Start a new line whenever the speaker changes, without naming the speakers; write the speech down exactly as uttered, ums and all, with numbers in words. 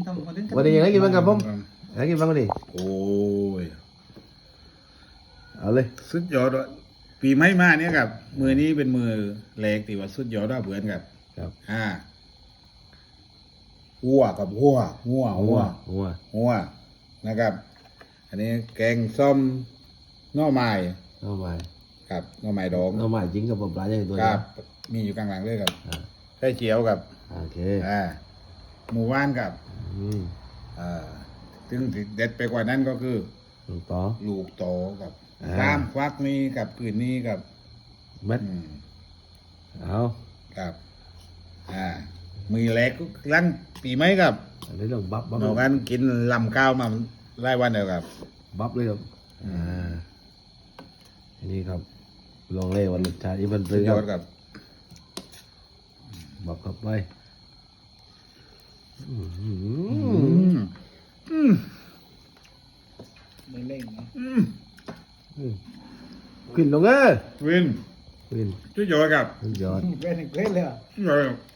ทำคอนเทนต์
วันนี้ยังไงกินบ้างครับผมยังไงกินบ้างวันนี้
โอ้ย
เอาเลย
สุดยอดว่ะปีใหม่มาเนี่ยครับมือนี้เป็นมือแรกที่ว่าสุดยอดว่าเพื่อนครับ
ครับ
อ่าหัวกับหัวหัวหัว
หัว
หัวนะครับ อันนี้แกงส้มหน่อไม้
น้องใหม่
ครับหน่อไม้ดอง
น้องใหม่จริงกับผมปลาใหญ่ตัว
ค
นี้
รับ มีอยู่กลางหลังเลยครับ
อ่า
ไข่เจียวกับ
โอเค
อ่าหมูว่านกับ
อืม
อ่าซึ่งเด็ดไปกว่านั้นก็คือ
ลูกต่อ
ลูกโตกับ
อ่า
ตามควักนี้กับคืนนี้กับ
เม็ด
อืม
เอา
ครับ อ่า มือแรกก็ลังปีไหมครับ
อันนี้ต้องบับบับ
หนอกันกินลำข้าวมาไล่วันเดียวครับ
บับเลยครับอ่าอันนี้ครับลองเล่วันรสชาติอีมันซื้อย ค
อ
รั
ด
บ
กับ
บับกลับไปอืม
อืมอืม
ไม่เล่นนะ
อืม
อืมขึ้นลงเอ้ย
วิน
ขึ้น
ชุดยอดครับ
สุดยอด
เป็นเล่นเลยอ่ะ
ชุดยอดครับ